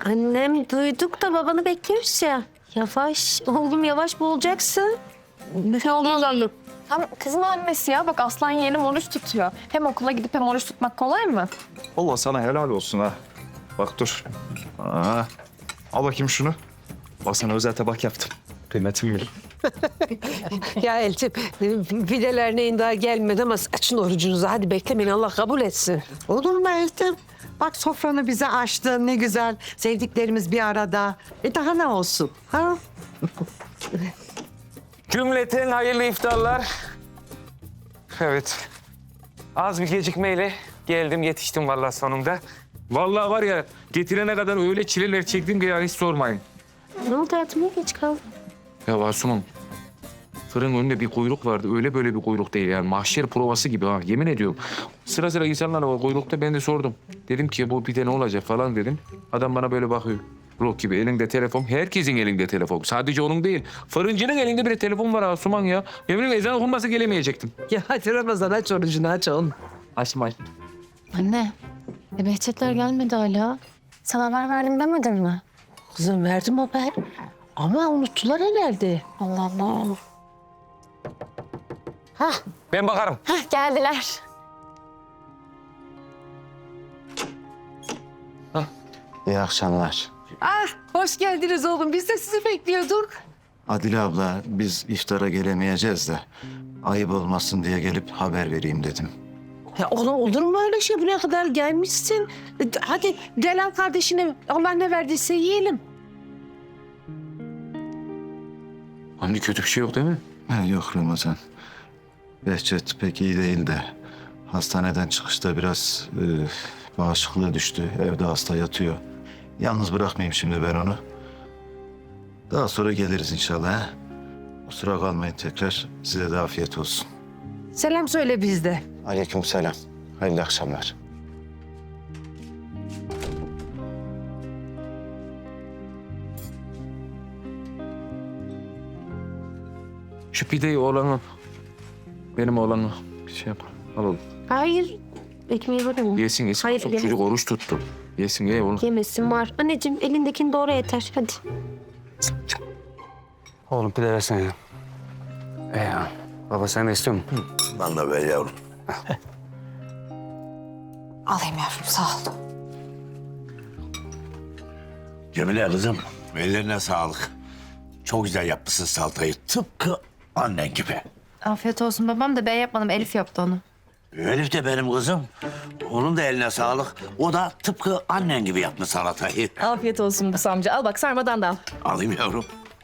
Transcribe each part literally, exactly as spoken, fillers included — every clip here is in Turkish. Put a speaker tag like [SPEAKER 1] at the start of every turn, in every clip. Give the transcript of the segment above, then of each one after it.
[SPEAKER 1] Annem duyduk da babanı bekliyoruz ya. Yavaş oğlum yavaş boğulacaksın.
[SPEAKER 2] Bir şey olmaz annem. Tam kızın annesi ya. Bak Aslan yeğenim oruç tutuyor. Hem okula gidip hem oruç tutmak kolay mı?
[SPEAKER 3] Allah sana helal olsun ha. Bak dur. Aa, al bakayım şunu. Bak sana özel tabak yaptım. Kıymetimi bil.
[SPEAKER 4] Ya Elçin, pideler neyin daha gelmedi ama açın orucunuzu. Hadi beklemeyin, Allah kabul etsin.
[SPEAKER 5] Olur mu Eltim? Bak sofranı bize açtın ne güzel. Sevdiklerimiz bir arada. E daha ne olsun? Ha?
[SPEAKER 6] Cümleten hayırlı iftarlar. Evet. Az bir gecikmeyle geldim, yetiştim vallahi sonunda. Vallahi var ya, getirene kadar öyle çileler çektim ki ya hiç sormayın.
[SPEAKER 1] Ne oldu hayatım niye geç kaldın?
[SPEAKER 6] Ya Asuman, fırın önünde bir kuyruk vardı. Öyle böyle bir kuyruk değil yani. Mahşer provası gibi ha, yemin ediyorum. Sıra sıra insanlar var kuyrukta, ben de sordum. Dedim ki bu pide ne olacak falan dedim. Adam bana böyle bakıyor. Rock gibi elinde telefon. Herkesin elinde telefon. Sadece onun değil. Fırıncının elinde bir telefon var Asuman ya. Yemin ederim ezan okunmasa gelemeyecektim.
[SPEAKER 4] Ya hadi Ramazan aç orucunu, aç oğlum.
[SPEAKER 6] Açtım aç.
[SPEAKER 2] Anne, e Behçetler gelmedi hala. Sana haber verdim demedin mi?
[SPEAKER 4] Kızım verdim haber. Ama unuttular herhalde.
[SPEAKER 2] Allah Allah.
[SPEAKER 6] Ben bakarım.
[SPEAKER 2] Hah, geldiler.
[SPEAKER 7] İyi akşamlar.
[SPEAKER 4] Ah, hoş geldiniz oğlum. Biz de sizi bekliyorduk.
[SPEAKER 7] Adile abla, biz iftara gelemeyeceğiz de ayıp olmasın diye gelip haber vereyim dedim.
[SPEAKER 4] Ya oğlum olur mu öyle şey? Buraya kadar gelmişsin. E, Hadi gel al kardeşine. Allah ne verdiyse yiyelim.
[SPEAKER 6] Anne kötü bir şey yok değil mi?
[SPEAKER 7] Ha, yok Ramazan. Behçet pek iyi değil de hastaneden çıkışta biraz e, bağışıklığı düştü. Evde hasta yatıyor. Yalnız bırakmayayım şimdi ben onu. Daha sonra geliriz inşallah. Ha? Kusura kalmayın tekrar. Size de afiyet olsun.
[SPEAKER 4] Selam söyle bizde.
[SPEAKER 7] Aleykümselam. Hayırlı akşamlar.
[SPEAKER 6] Şu pideyi oğlanın, benim oğlanı bir şey yap. Al oğlum.
[SPEAKER 1] Hayır ekmeği var ama.
[SPEAKER 6] Yesin yesin.
[SPEAKER 1] Hayır,
[SPEAKER 6] Çok
[SPEAKER 1] yeme.
[SPEAKER 6] çocuk oruç tuttu. Yesin ye oğlum.
[SPEAKER 1] Yemesin var. Anneciğim elindekini doğru yeter hadi.
[SPEAKER 6] Oğlum pide versene ya. E ya. Baba sen de istiyor musun?
[SPEAKER 8] Ben de ver yavrum.
[SPEAKER 2] Alayım yavrum, sağ ol.
[SPEAKER 8] Cemile kızım, ellerine sağlık. Çok güzel yapmışsın salatayı. Tıpkı annen gibi.
[SPEAKER 2] Afiyet olsun babam da ben yapmadım, Elif yaptı onu.
[SPEAKER 8] Elif de benim kızım. Onun da eline sağlık. O da tıpkı annen gibi yapmış salatayı.
[SPEAKER 2] Afiyet olsun Musa amca. Al bak sarmadan da al.
[SPEAKER 8] Alayım yavrum.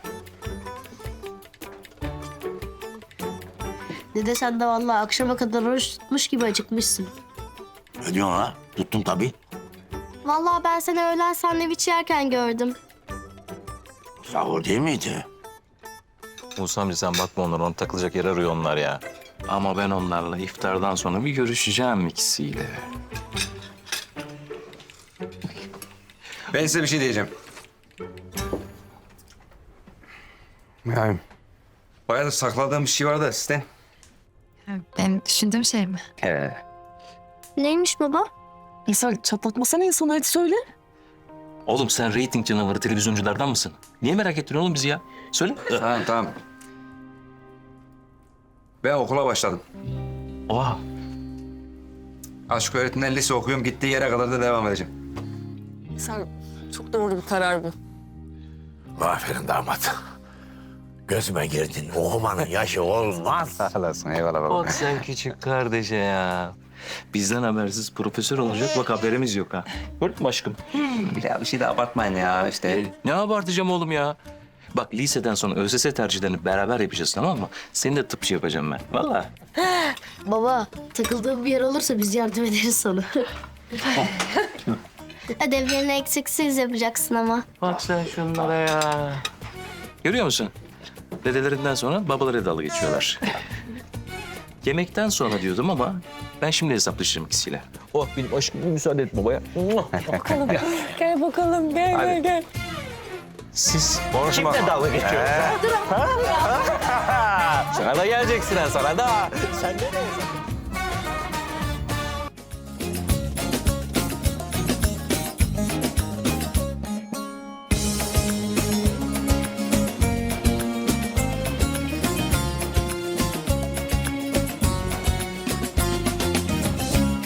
[SPEAKER 9] Dede sen de vallahi akşama kadar oruç tutmuş gibi acıkmışsın.
[SPEAKER 8] Ne diyorsun ha? Tuttum tabii.
[SPEAKER 9] Vallahi ben seni öğlen sandviç yerken gördüm.
[SPEAKER 8] Sahur değil miydi?
[SPEAKER 3] Musa amca sen bakma onlara. Onu takılacak yer arıyor onlar ya. Ama ben onlarla iftardan sonra bir görüşeceğim ikisiyle.
[SPEAKER 10] Ben size bir şey diyeceğim.
[SPEAKER 6] Yani
[SPEAKER 10] Bayağı da sakladığım bir şey var da sizden.
[SPEAKER 2] Ben düşündüğüm şey mi?
[SPEAKER 10] He.
[SPEAKER 9] Neymiş baba?
[SPEAKER 2] İnsan çatlatmasana insanı, hadi söyle.
[SPEAKER 3] Oğlum sen reyting canavarı televizyonculardan mısın? Niye merak ettin oğlum bizi ya? Söyle.
[SPEAKER 10] Tamam tamam. Ben okula başladım.
[SPEAKER 3] Oha.
[SPEAKER 10] Aşk öğretmen lise okuyorum. Gittiği yere kadar da devam edeceğim.
[SPEAKER 2] Sen çok doğru bir karar bu.
[SPEAKER 8] Aferin damat. Gözüme girdin. Okumanın yaşı olmaz.
[SPEAKER 10] Sağ olasın. Eyvallah baba.
[SPEAKER 3] Bak sen küçük kardeşe ya. Bizden habersiz profesör olacak. Bak haberimiz yok ha. Gördün mü aşkım?
[SPEAKER 10] Ya bir şey de abartmayın ya işte.
[SPEAKER 3] Ne abartacağım oğlum ya? Bak liseden sonra ÖSS tercihlerini beraber yapacağız tamam mı? Seni de tıpçı yapacağım ben. Vallahi.
[SPEAKER 9] Baba takıldığın bir yer olursa biz yardım ederiz sana. Ödevlerini eksiksiz yapacaksın ama.
[SPEAKER 3] Bak sen şunlara ya. Görüyor musun? Dedelerinden sonra babaları dalga geçiyorlar. Yemekten sonra diyordum ama ben şimdi hesaplaşırım ikisiyle. Oh benim aşkım bir müsaade et babaya.
[SPEAKER 2] Bakalım. Gel bakalım, gel gel gel.
[SPEAKER 3] Siz
[SPEAKER 10] Konuşma.
[SPEAKER 3] kimle dalga geçiyorsunuz? Sana da geleceksin ha sana da. Sen de ne?